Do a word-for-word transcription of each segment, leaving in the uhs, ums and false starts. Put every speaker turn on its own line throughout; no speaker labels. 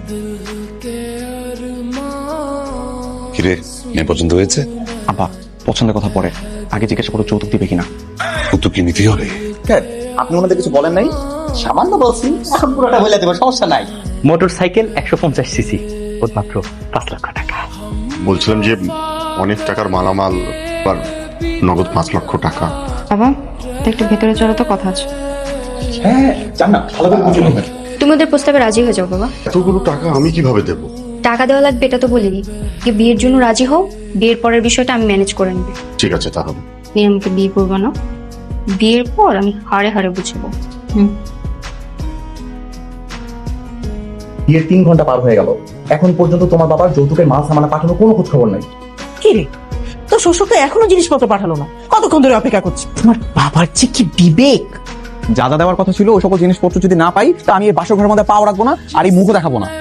কিরে, মেয়ে পছন্দ হয়েছে?
আব্বা, পছন্দের কথা পরে, আগে জিজ্ঞাসা করো যৌতুক দিবে কিনা।
যৌতুক কি নিতেই হবে?
আপনি ওনাদের কিছু বলেন নাই? সামান্য বলছি, এখন পুরোটা বলে দেবো, সমস্যা নাই।
মোটর সাইকেল একশো পঞ্চাশ সিসি, মাত্র পাঁচ লক্ষ টাকা।
বলছিলাম যে অনেক টাকার মালামাল আর নগদ পাঁচ লক্ষ টাকা।
বাবা, একটু ভেতরে চলো তো, কথা আছে।
হ্যাঁ, জান না, ভালো করে বুঝে নেবেন।
তুমি ওদের প্রস্তাবে রাজি হয়ে যাও বাবা।
এতগুলো টাকা আমি কিভাবে দেব?
টাকা দেওয়া লাগবে এটা তো বলিনি, যে বিয়ের জন্য রাজি হও, বিয়ের পরের বিষয়টা আমি ম্যানেজ করে নেব।
ঠিক আছে তাহলে।
তুমি আমাকে বিয়ে করবো না, বিয়ের পর আমি হারে হারে বুঝবো। হুম।
বিয়ের তিন ঘন্টা পার হয়ে গেল, এখন পর্যন্ত তোমার বাবার যৌতুকের মাল সামানা পাঠানোর কোনো খোঁজ খবর নাই।
কি রে, তো শ্বশুর তো এখনো জিনিসপত্র পাঠালো না, কতক্ষণ ধরে অপেক্ষা করছি। তোমার বাবার যে কি বিবেক!
যা যা দেওয়ার কথা ছিল ওই সকল জিনিসপত্র যদি না পাই, তা আমি এই বাসর ঘরের মধ্যে পাও রাখবো না, আর এই মুখও দেখাবো না।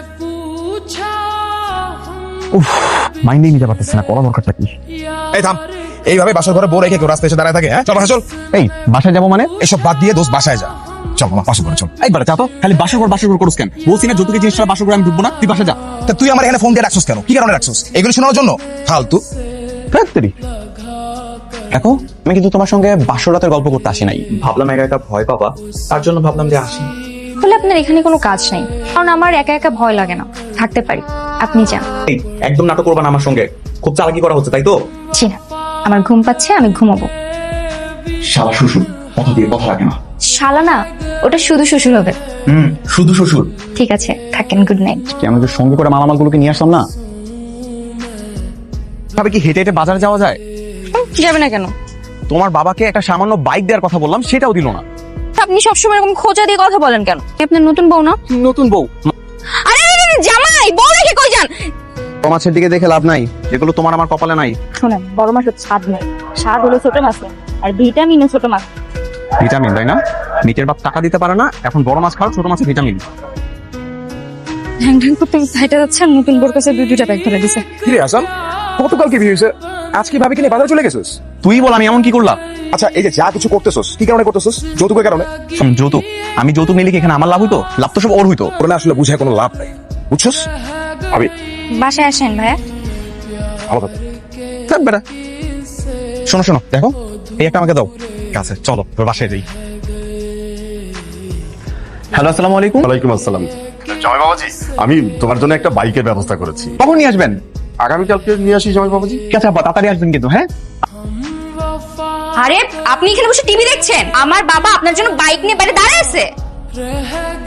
উফ, মাইন্ডেই নিতে পারতেছি না, করা দরকারটা কি?
এই থাম, এইভাবে বাসর ঘরে বউ রেখে কেউ রাস্তায় এসে দাঁড়ায় থাকে? হ্যাঁ, চল বাসা চল।
এই বাসায় যাবো মানে?
এসব বাদ দিয়ে দোস্ত বাসায় যা। চল মামা, বাসর ঘরে চল।
একবার যা তো, খালি বাসর ঘর বাসর ঘর করুস কেন? বলছি না যৌতুকের জিনিসটা বাসর ঘরে আমি ঢুকবো না, তুই বাসা যা।
তা তুই আমার এখানে ফোন দিয়ে রাখছিস কেন? কি কারণে রাখছিস? এগুলো শোনার জন্য? ফালতু।
ফ্যাক্টরি। দেখো, আমি কিন্তু তোমার সঙ্গে বাসর রাতের গল্প করতে আসি নাই। ভাবলাম একা একা ভয় পাবা, তার জন্য ভাবলাম যে আসি।
বলে আপনার এখানে কোনো কাজ নেই, কারণ আমার একা একা ভয় লাগে না, থাকতে পারি। আপনি যান।
এই, একদম নাটক করবা না আমার সঙ্গে, খুব চালাকি করা হচ্ছে তাই তো?
জি না, আমার ঘুম পাচ্ছে, আমি ঘুমাবো।
শালা শ্বশুর কথা দিয়ে কথা রাখে না।
শালা না, ওটা শুধু শ্বশুর হবে।
হুম, শুধু শ্বশুর।
ঠিক আছে, থাকেন, গুড নাইট।
কি আমাদের সঙ্গে করে মালামালগুলোকে নিয়ে আসলাম না? ভাবে কি হেঁটে হেঁটে বাজারে যাওয়া যায়?
যাবে না কেন?
তোমার বাবাকে একটা সামান্য বাইক দেওয়ার কথা বললাম, সেটাও দিল না।
আপনি সবসময় এরকম খোঁজা দিয়ে কথা বলেন কেন? আপনার নতুন বউ না?
নতুন বউ?
আরে আরে, আরে, জামাই, বউ রেখে কই যান?
বড় মাছের দিকে দেখে লাভ নাই, যেগুলো তোমার আমার কপালে নাই।
শোনেন, বড় মাছের স্বাদ নেই, স্বাদ হলো ছোট মাছে, আর ভিটামিনও ছোট মাছ।
ভিটামিন তাই না? মিটের বাপ টাকা দিতে পারে না, এখন বড় মাছ খাও, ছোট মাছের ভিটামিন।
ঢ্যাং ঢ্যাং করতে সাইডে যাচ্ছে, আর নতুন বোর কাছে দুই দুইটা ব্যাগ ধরে দিছে।
কিরে আসাম, গতকাল কি বিয়ে হয়েছে? আজকে ভাবি কিনে বাজারে চলে গেছিস?
তুই বল আমি এমন কি করলাম?
আচ্ছা, এই যে যা কিছু করতেছস, কি কারণে করতেছস? যৌতুকের কারণে?
শোন, যৌতুক, আমি যৌতুক নিলে কি এখানে আমার লাভ হইতো? লাভ তো সব ওর হইতো।
ওর না আসলে বুঝে কোনো লাভ নাই, বুঝছস? ভাবি
বাসায় আসেন ভাইয়া।
ভালো থাকো।
থাক বেটা। শোনো শোনো, দেখো, এই একটা আমাকে দাও। কাছে চলো, তোর বাসায় যাই। হ্যালো, আসসালামু আলাইকুম।
ওয়ালাইকুম আসসালাম। জামাই বাবাজি, আমি তোমার জন্য একটা বাইকের ব্যবস্থা করেছি।
কখন নিয়ে আসবেন?
আগামীকালকে নিয়ে আসি জামাই বাবাজি।
ঠিক আছে আব্বা, তাড়াতাড়ি আসবেন কিন্তু। হ্যাঁ,
আরে আপনি এখানে বসে টিভি দেখছেন, আমার বাবা আপনার জন্য বাইক নিয়ে বাইরে দাঁড়ায় আছে।